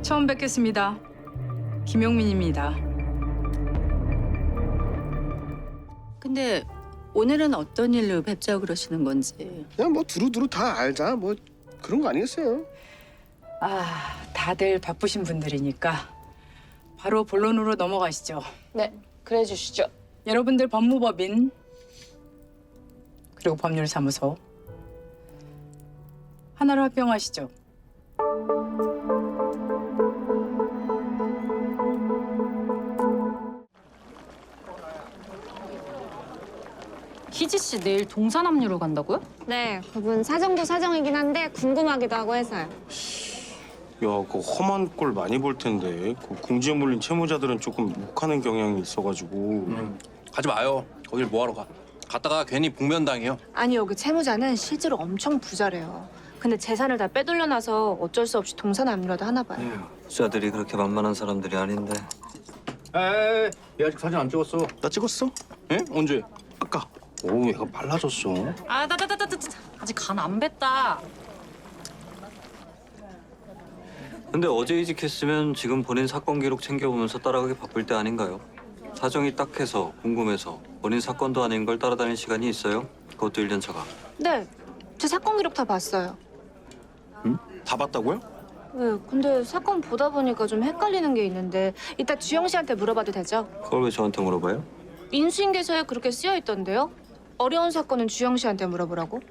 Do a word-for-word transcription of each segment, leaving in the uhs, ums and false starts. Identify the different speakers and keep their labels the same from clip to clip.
Speaker 1: 처음 뵙겠습니다. 김용민입니다.
Speaker 2: 근데 오늘은 어떤 일로 뵙자고 그러시는 건지.
Speaker 3: 그냥 뭐 두루두루 다 알자 뭐 그런 거 아니겠어요?
Speaker 1: 아, 다들 바쁘신 분들이니까 바로 본론으로 넘어가시죠.
Speaker 4: 네, 그래 주시죠.
Speaker 1: 여러분들 법무법인 그리고 법률사무소 하나로 합병하시죠.
Speaker 4: 희지 씨 내일 동산압류로 간다고요?
Speaker 5: 네, 그분 사정도 사정이긴 한데 궁금하기도 하고 해서요.
Speaker 6: 야, 그 험한 꼴 많이 볼 텐데 그 궁지에 몰린 채무자들은 조금 욱하는 경향이 있어가지고.
Speaker 7: 음, 가지 마요. 거길 뭐하러 가. 갔다가 괜히 복면당해요.
Speaker 8: 아니 여기 채무자는 실제로 엄청 부자래요. 근데 재산을 다 빼돌려놔서 어쩔 수 없이 동산압류라도 하나 봐요.
Speaker 9: 부자들이 그렇게 만만한 사람들이 아닌데.
Speaker 7: 에이, 얘 아직 사진 안 찍었어.
Speaker 6: 나 찍었어?
Speaker 7: 예? 언제?
Speaker 6: 아까. 오, 얘가 빨라졌어.
Speaker 4: 아, 나, 나, 나, 나, 나, 아직 간 안 뱄다.
Speaker 9: 근데 어제 이직했으면 지금 본인 사건 기록 챙겨보면서 따라가기 바쁠 때 아닌가요? 사정이 딱해서 궁금해서 본인 사건도 아닌 걸 따라다닐 시간이 있어요? 그것도 일 년 차가.
Speaker 8: 네, 제 사건 기록 다 봤어요.
Speaker 6: 다 봤다고요?
Speaker 8: 네, 근데 사건 보다 보니까 좀 헷갈리는 게 있는데 이따 주영 씨한테 물어봐도 되죠?
Speaker 9: 그걸 왜 저한테 물어봐요?
Speaker 8: 인수인계서에 그렇게 쓰여 있던데요? 어려운 사건은 주영 씨한테 물어보라고?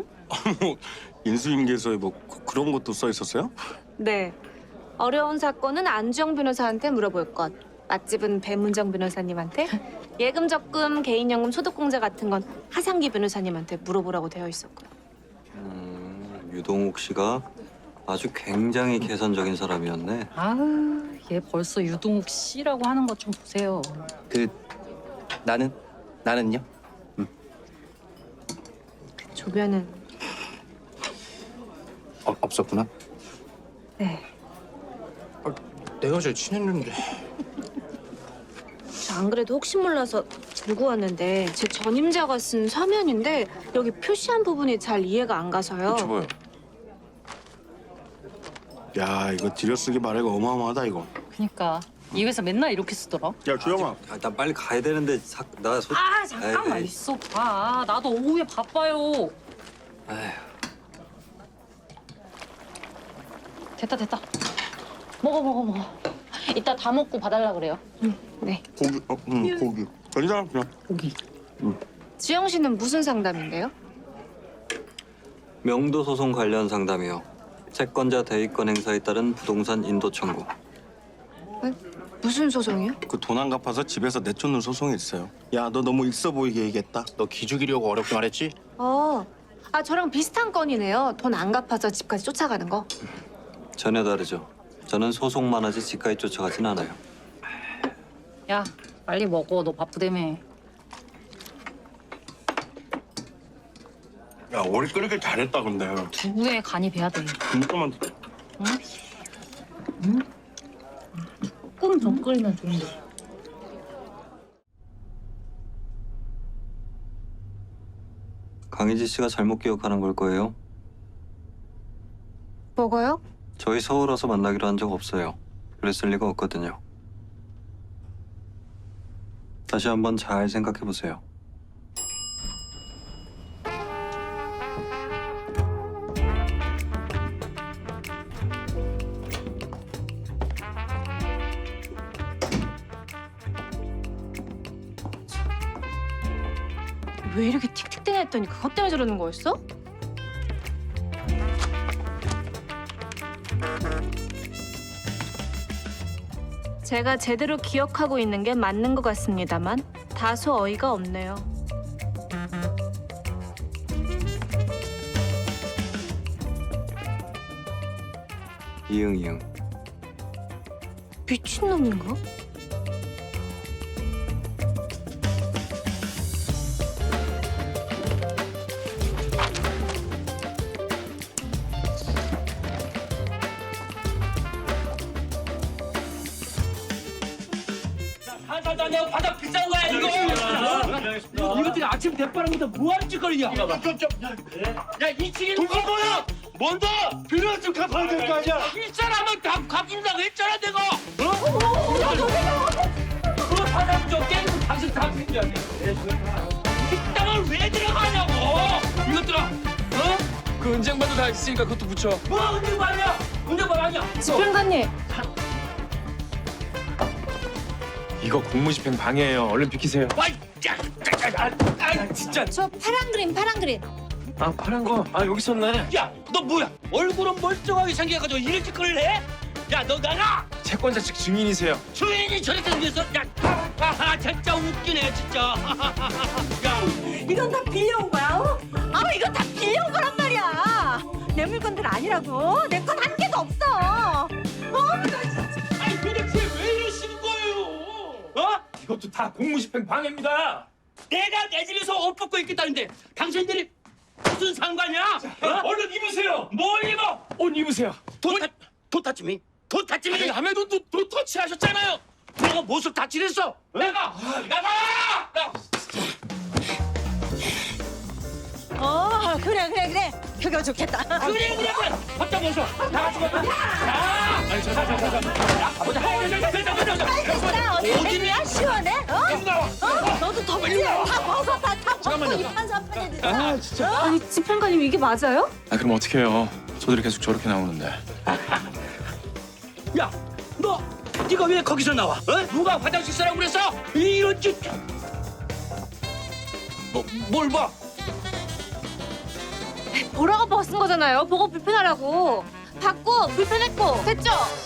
Speaker 6: 인수인계서에 뭐 그, 그런 것도 써 있었어요?
Speaker 8: 네, 어려운 사건은 안주영 변호사한테 물어볼 것. 맛집은 배문정 변호사님한테, 예금 적금, 개인연금, 소득공제 같은 건 하상기 변호사님한테 물어보라고 되어 있었고요.
Speaker 9: 음, 유동욱 씨가 아주 굉장히 계산적인 사람이었네.
Speaker 4: 아우, 얘 벌써 유동욱 씨라고 하는 것 좀 보세요.
Speaker 7: 그 나는? 나는요?
Speaker 8: 조변은
Speaker 7: 어, 없었구나.
Speaker 8: 네,
Speaker 7: 내가 제일 친했는데.
Speaker 8: 저 안 그래도 혹시 몰라서 들고 왔는데 제 전임자가 쓴 서면인데 여기 표시한 부분이 잘 이해가 안 가서요.
Speaker 6: 줘봐요. 야, 이거 들여쓰기 말해가 어마어마하다 이거.
Speaker 4: 그니까 이 회사 맨날 이렇게 쓰더라.
Speaker 6: 야, 주영아.
Speaker 9: 아, 나 빨리 가야 되는데 사, 나 소...
Speaker 4: 아, 잠깐만
Speaker 9: 에이.
Speaker 4: 있어 봐. 나도 오후에 바빠요.
Speaker 9: 에휴.
Speaker 4: 됐다 됐다. 먹어 먹어 먹어. 이따 다 먹고 봐달라 그래요.
Speaker 8: 네.
Speaker 6: 고기, 어, 응, 고기. 괜찮아, 그냥.
Speaker 4: 고기.
Speaker 8: 주영 씨는 무슨 상담인데요?
Speaker 9: 명도 소송 관련 상담이요. 채권자 대위권 행사에 따른 부동산 인도 청구.
Speaker 8: 무슨 소송이요?
Speaker 6: 그 돈 안 갚아서 집에서 내쫓는 소송이 있어요. 야, 너 너무 있어 보이게 얘기했다.
Speaker 7: 너 기죽이려고 어렵게 말했지?
Speaker 8: 어, 아 저랑 비슷한 건이네요. 돈 안 갚아서 집까지 쫓아가는 거.
Speaker 9: 전혀 다르죠. 저는 소송만 하지 집까지 쫓아가진 않아요.
Speaker 4: 야, 빨리 먹어. 너 바쁘다며.
Speaker 6: 야, 오래 끓이길 잘했다, 근데.
Speaker 4: 두부에 간이 배야 돼.
Speaker 6: 진짜만.
Speaker 4: 조금 더 끓이면 좋은데.
Speaker 9: 강희지 씨가 잘못 기억하는 걸 거예요.
Speaker 8: 뭐가요?
Speaker 9: 저희 서울 와서 만나기로 한 적 없어요. 그랬을 리가 없거든요. 다시 한번 잘 생각해 보세요.
Speaker 8: 왜 이렇게 틱틱대냐 했더니 그것 때문에 저러는 거였어? 제가 제대로 기억하고 있는 게 맞는 것 같습니다만 다소 어이가 없네요.
Speaker 9: 이응 이응.
Speaker 8: 미친놈인가?
Speaker 10: 살살도 안 내고 바닥 비싼 거야 이거. 이것들이 아침 대바람부터 뭐하는 짓거리냐. 야 이 층에 누가 뭐야? 뭔데? 빌려 좀 갚아야 될 거 아니야? 이 사람은 다 갚는다고 했잖아 내가. 어? 그거 받아면 좀 깨고 당신 다 챙겨야 돼. 이 땅을 왜 들어가냐고? 이것들아. 어?
Speaker 11: 그 은쟁반도 다 있으니까 그것도 붙여.
Speaker 10: 뭐 은행반이야? 은행반 아니야?
Speaker 8: 집행관님.
Speaker 11: 이거 공무집행 방해예요. 얼른 비키세요.
Speaker 10: 와, 야, 아, 아, 아, 진짜.
Speaker 5: 저 파란 그림, 파란 그림.
Speaker 11: 아 파란 거. 아 여기 있었네.
Speaker 10: 야, 너 뭐야? 얼굴은 멀쩡하게 생겨가지고 이런 짓거리를 해? 야, 너 나가!
Speaker 11: 채권자 측 증인이세요.
Speaker 10: 주인이 저렇게 생겼어? 야, 하하, 진짜 웃기네, 진짜. 야,
Speaker 12: 이건 다 빌려온 거야, 어? 아, 이건 다 빌려온 거란 말이야. 내 물건들 아니라고. 내 건 한 개도 없어.
Speaker 10: 아니 도대체 왜 이러시는 거예요? 어?
Speaker 11: 이것도 다 공무집행 방해입니다.
Speaker 10: 내가 내 집에서 옷 벗고 있겠다는데 당신들이 무슨 상관이야? 어?
Speaker 11: 얼른 입으세요.
Speaker 10: 뭘 입어?
Speaker 11: 옷 입으세요.
Speaker 10: 도타, 도타치미? 도타치미?
Speaker 11: 남의 돈도 도 터치하셨잖아요.
Speaker 10: 내가 무엇을 다치랬어? 내가! 나가! 나!
Speaker 12: 어, 그래, 그래, 그래. 그거 좋겠다.
Speaker 10: 그래, 그래, 그래! 벗자 벗어! 다 같이 벗자! 자!
Speaker 11: 아니 자자자자.
Speaker 10: 야, 보자!
Speaker 12: 나 어디 애기야? 시원해? 어?
Speaker 10: 나와!
Speaker 12: 어? 너도 덥지? 다 벗어, 다, 다 벗고 이판사판해지.
Speaker 11: 아 진짜.
Speaker 8: 아니 집행관님 이게 맞아요?
Speaker 11: 아 그럼 어떻게 해요? 저들이 계속 저렇게 나오는데.
Speaker 10: 야, 너 네가 왜 거기서 나와? 어? 누가 화장실 쓰라고 그랬어? 이런 짓! 뭐, 뭘 봐?
Speaker 8: 보라가 벗은 거잖아요. 보고 불편하라고. 받고 불편했고 됐죠?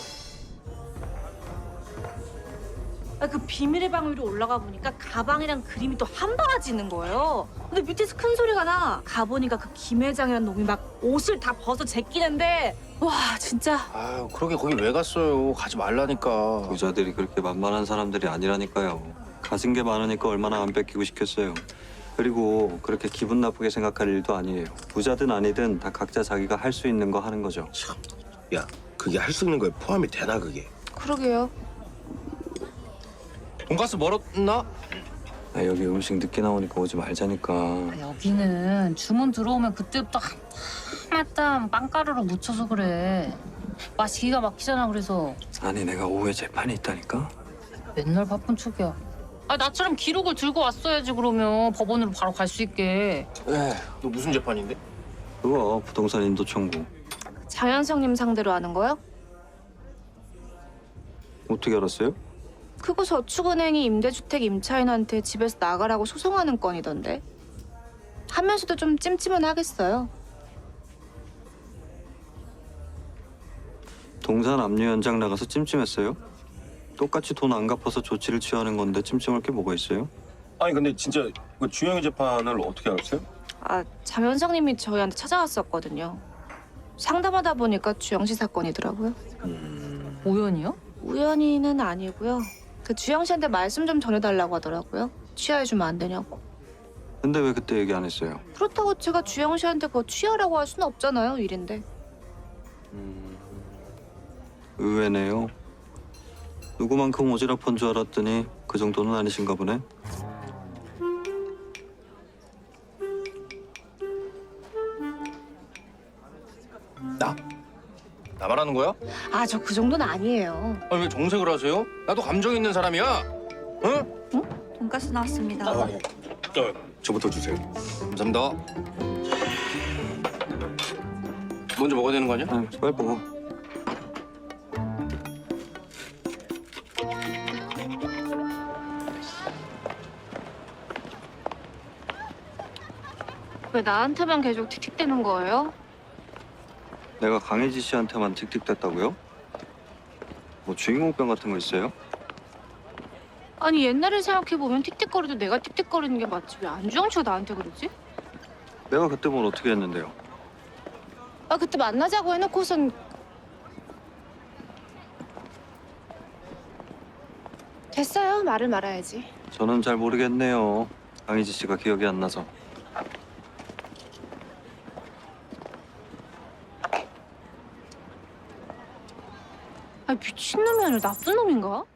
Speaker 8: 아, 그 비밀의 방 위로 올라가 보니까 가방이랑 그림이 또 한 바가지 있는 거예요. 근데 밑에서 큰 소리가 나. 가보니까 그 김 회장이란 놈이 막 옷을 다 벗어 제끼는데 와 진짜.
Speaker 6: 아유 그러게 거기 왜 갔어요? 가지 말라니까.
Speaker 9: 부자들이 그렇게 만만한 사람들이 아니라니까요. 가진 게 많으니까 얼마나 안 뺏기고 싶겠어요. 그리고 그렇게 기분 나쁘게 생각할 일도 아니에요. 부자든 아니든 다 각자 자기가 할 수 있는 거 하는 거죠.
Speaker 3: 야, 그게 할 수 있는 거에 포함이 되나 그게?
Speaker 8: 그러게요.
Speaker 7: 돈가스 멀었나?
Speaker 9: 아, 여기 음식 늦게 나오니까 오지 말자니까.
Speaker 4: 여기는 주문 들어오면 그때부터 한마땅 빵가루로 묻혀서 그래. 맛이 기가 막히잖아. 그래서
Speaker 9: 아니 내가 오후에 재판이 있다니까.
Speaker 4: 맨날 바쁜 척이야. 아 나처럼 기록을 들고 왔어야지. 그러면 법원으로 바로 갈 수 있게.
Speaker 6: 에, 너 무슨 재판인데?
Speaker 9: 그거 부동산 인도 청구.
Speaker 8: 장현성님 상대로 하는 거요?
Speaker 9: 어떻게 알았어요?
Speaker 8: 그거 저축은행이 임대주택 임차인한테 집에서 나가라고 소송하는 건이던데. 하면서도 좀 찜찜은 하겠어요.
Speaker 9: 동산 압류 현장 나가서 찜찜했어요? 똑같이 돈 안 갚아서 조치를 취하는 건데 찜찜할 게 뭐가 있어요?
Speaker 6: 아니 근데 진짜 그 주영이 재판을 어떻게 알았어요?
Speaker 8: 아, 장현성님이 저희한테 찾아왔었거든요. 상담하다 보니까 주영 씨 사건이더라고요.
Speaker 4: 우연이요?
Speaker 8: 우연히는 아니고요. 그 주영 씨한테 말씀 좀 전해달라고 하더라고요. 취하해주면 안 되냐고.
Speaker 9: 근데 왜 그때 얘기 안 했어요?
Speaker 8: 그렇다고 제가 주영 씨한테 그거 취하라고 할 수는 없잖아요, 일인데.
Speaker 9: 의외네요. 누구만큼 오지랖한 줄 알았더니 그 정도는 아니신가 보네.
Speaker 7: 나? 나 말하는 거야?
Speaker 8: 아, 저 그 정도는 아니에요.
Speaker 7: 아니 왜 정색을 하세요? 나도 감정 있는 사람이야. 응?
Speaker 12: 돈가스 나왔습니다.
Speaker 6: 어, 저부터 주세요.
Speaker 7: 감사합니다. 먼저 먹어야 되는 거 아니야?
Speaker 9: 아유, 빨리 먹어.
Speaker 8: 왜 나한테만 계속 틱틱대는 거예요?
Speaker 9: 내가 강혜지 씨한테만 틱틱댔다고요? 뭐 주인공병 같은 거 있어요?
Speaker 8: 아니, 옛날을 생각해보면 틱틱거려도 내가 틱틱거리는 게 맞지. 왜 안주영 씨가 나한테 그러지?
Speaker 9: 내가 그때 뭘 어떻게 했는데요?
Speaker 8: 아, 그때 만나자고 해놓고선 됐어요. 말을 말아야지.
Speaker 9: 저는 잘 모르겠네요. 강혜지 씨가 기억이 안 나서.
Speaker 8: 아, 미친놈이 아니라 나쁜 놈인가?